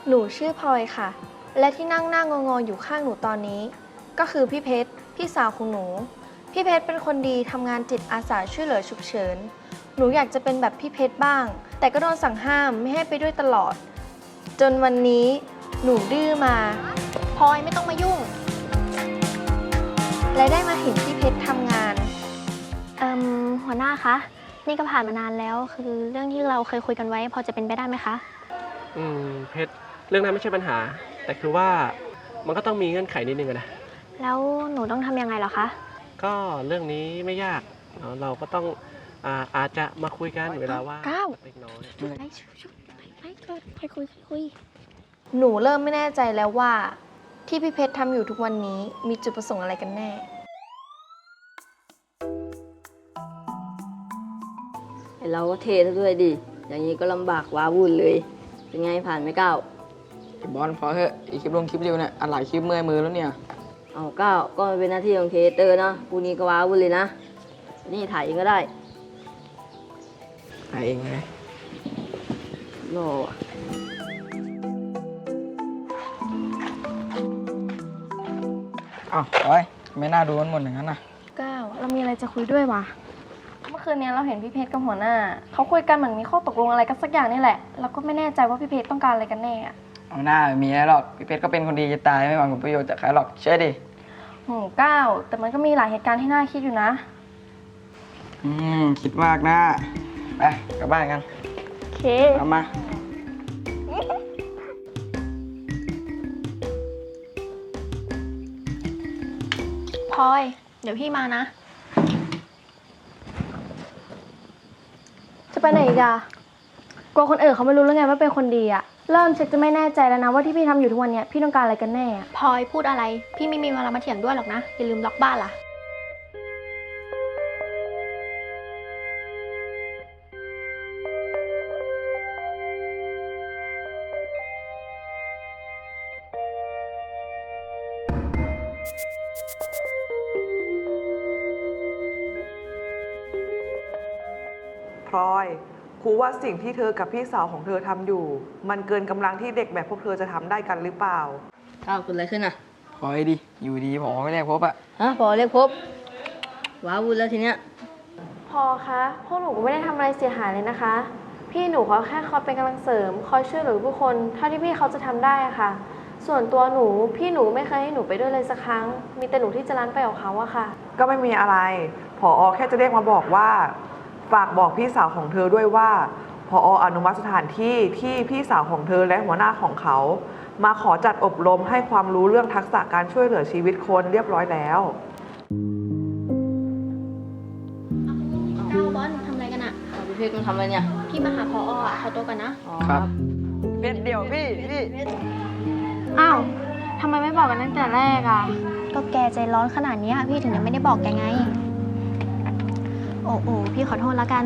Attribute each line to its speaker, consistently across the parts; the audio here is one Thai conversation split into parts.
Speaker 1: หนูชื่อพลอยค่ะและที่นั่งหน้างงๆอยู่ข้างหนูตอนนี้ก็คือพี่เพชรพี่สาวของหนูพี่เพชรเป็นคนดีทำงานจิตอาสาช่วยเหลือฉุกเฉินหนูอยากจะเป็นแบบพี่เพชรบ้างแต่ก็โดนสั่งห้ามไม่ให้ไปด้วยตลอดจนวันนี้หนูดื้อมา
Speaker 2: พลอยไม่ต้องมายุ่ง
Speaker 1: และได้มาเห็นพี่เพชรทำงาน
Speaker 2: หัวหน้าคะนี่ก็ผ่านมานานแล้วคือเรื่องที่เราเคยคุยกันไว้พอจะเป็นไปได้ไหมคะ
Speaker 3: เพชรเรื่องนั้นไม่ใช่ปัญหาแต่คือว่ามันก็ต้องมีเงื่อนไขนิดนึงนะ
Speaker 2: แล้วหนูต้องทำยังไงเหรอคะ
Speaker 3: ก็เรื่องนี้ไม่ยากเราก็ต้องอาจจะมาคุยกันเวลาว่าเล็กน้อย
Speaker 2: ไปคุย
Speaker 1: หนูเริ่มไม่แน่ใจแล้วว่าที่พี่เพชรทำอยู่ทุกวันนี้มีจุดประสงค์อะไรกันแน่
Speaker 4: เราก็เทซะด้วยดิอย่างนี้ก็ลำบากว้าวุ่นเลยเป็นไงผ่านไหมก้าว
Speaker 5: บอลพอเถอะอีกคลิปลงคลิปเร็วเนี่ยอัดหลายคลิปเมื่อยมือแล้วเนี่ย
Speaker 4: เอาก้าวก็เป็นหน้าที่ของเทเตอร์นะกูนี้ก็ว้าวุ่นเลยนะนี่ถ่ายเองก็ได้
Speaker 5: ถ่ายเองไหม
Speaker 4: โน่
Speaker 5: อ้าวโอ้ยไม่น่าดูมันหมดอย่างนั้นนะ
Speaker 1: ก้าวเรามีอะไรจะคุยด้วยวะเมื่อคืนนี้เราเห็นพี่เพชรกับหัวหน้าเขาคุยกันเหมือนมีข้อตกลงอะไรกันสักอย่างนี่แหละเราก็ไม่แน่ใจว่าพี่เพชรต้องการอะไรกันแน่
Speaker 5: เอาหน้ามีอะไรหรอกพี่เพชรก็เป็นคนดีจะตายไม่หวังผลประโยชน์จากใครหรอกเชื่อดิ
Speaker 1: ก้าวแต่มันก็มีหลายเหตุการณ์ที่น่าคิดอยู่นะ
Speaker 5: คิดมากนะไปกลับบ้านกัน
Speaker 1: โอเค
Speaker 5: เอามา
Speaker 2: พลอยเดี๋ยวพี่มานะ
Speaker 1: จะไปไหนอีกอะกลัวคนอื่นเขาไม่รู้แล้วไงว่าเป็นคนดีอะเริ่มชักจะไม่แน่ใจแล้วนะว่าที่พี่ทำอยู่ทุกวันนี้พี่ต้องการอะไรกันแน่
Speaker 2: พลอยพูดอะไรพี่ไม่มีเวลามาเถียงด้วยหรอกนะอย่าลืมล็อกบ้านล่ะ
Speaker 6: พลอยครูว่าสิ่งที่เธอกับพี่สาวของเธอทำอยู่มันเกินกำลังที่เด็กแบบพวกเธอจะทำได้กันหรือเปล่า
Speaker 4: ก้าวเกิดอะไรขึ้นอ่ะ
Speaker 5: พอดิอยู่ดีพอไม่เรียกพบอะ
Speaker 4: พอเรียกพบว้าวุ่นแล้วทีเนี้ย
Speaker 1: พอคะพวกหนูก็ไม่ได้ทำอะไรเสียหายเลยนะคะพี่หนูเขาแค่คอยเป็นกำลังเสริมคอยช่วยเหลือผู้คนเท่าที่พี่เขาจะทำได้อะค่ะส่วนตัวหนูพี่หนูไม่เคยให้หนูไปด้วยเลยสักครั้งมีแต่หนูที่จะรั้นไปกับเขาอะค่ะ
Speaker 6: ก็ไม่มีอะไรผอ.แค่จะเรียกมาบอกว่าฝากบอกพี่สาวของเธอด้วยว่าผอ.อนุมัติสถานที่ที่พี่สาวของเธอและหัวหน้าของเขามาขอจัดอบรมให้ความรู้เรื่องทักษะการช่วยเหลือชีวิตคนเรียบร้อยแล้ว
Speaker 2: ก้าวบอลทำอะไรกันอะ
Speaker 4: พี่เพชรมันทำอะไรเนี่ย
Speaker 2: พี่มาหาพออะขอตัวกันนะ
Speaker 5: ครับเพชรเดี๋ยวพี่
Speaker 1: อ้าวทำไมไม่บอกกันตั้งแต่แรกอะ
Speaker 2: ก็แกใจร้อนขนาดนี้พี่ถึงยังไม่ได้บอกแกไงโอ้พี่ขอโทษแล้วกัน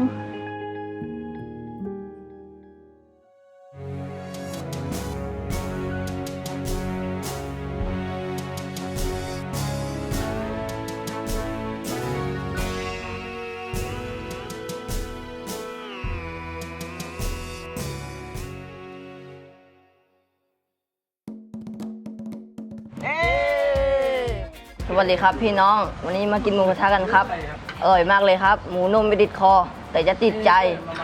Speaker 4: สวัสดีครับพี่น้องวันนี้มากินหมูกระทะกันครับอร่อยมากเลยครับหมูนุ่มไม่ติดคอแต่จะติดใจ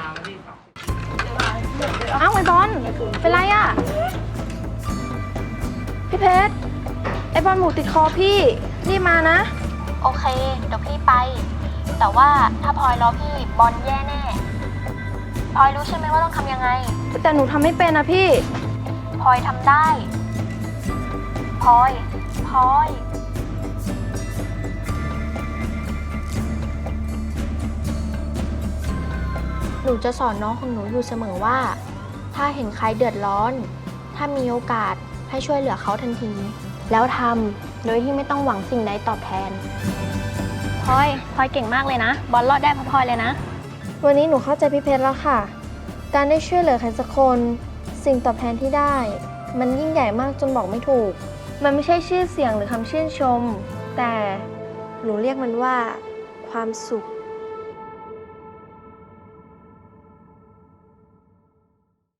Speaker 1: อ้าวไอ้บอลเป็นไรอะพี่เพชรไอ้บอลหมูติดคอพี่รีบมานะ
Speaker 2: โอเคเดี๋ยวพี่ไปแต่ว่าถ้าพลอยรอพี่บอลแย่แน่พลอยรู้ใช่ไหมว่าต้องทำยังไง
Speaker 1: แต่หนูทำไม่เป็นนะพี่
Speaker 2: พลอยทำได้พลอยหนูจะสอนน้องของหนูอยู่เสมอว่าถ้าเห็นใครเดือดร้อนถ้ามีโอกาสให้ช่วยเหลือเขาทันทีแล้วทำโดยที่ไม่ต้องหวังสิ่งใดตอบแทนพลอยเก่งมากเลยนะบอลรอดได้เพราะพลอยเลยนะ
Speaker 1: วันนี้หนูเข้าใจพี่เพชรแล้วค่ะการได้ช่วยเหลือใครสักคนสิ่งตอบแทนที่ได้มันยิ่งใหญ่มากจนบอกไม่ถูกมันไม่ใช่ชื่อเสียงหรือคำชื่นชมแต่หนูเรียกมันว่าความสุข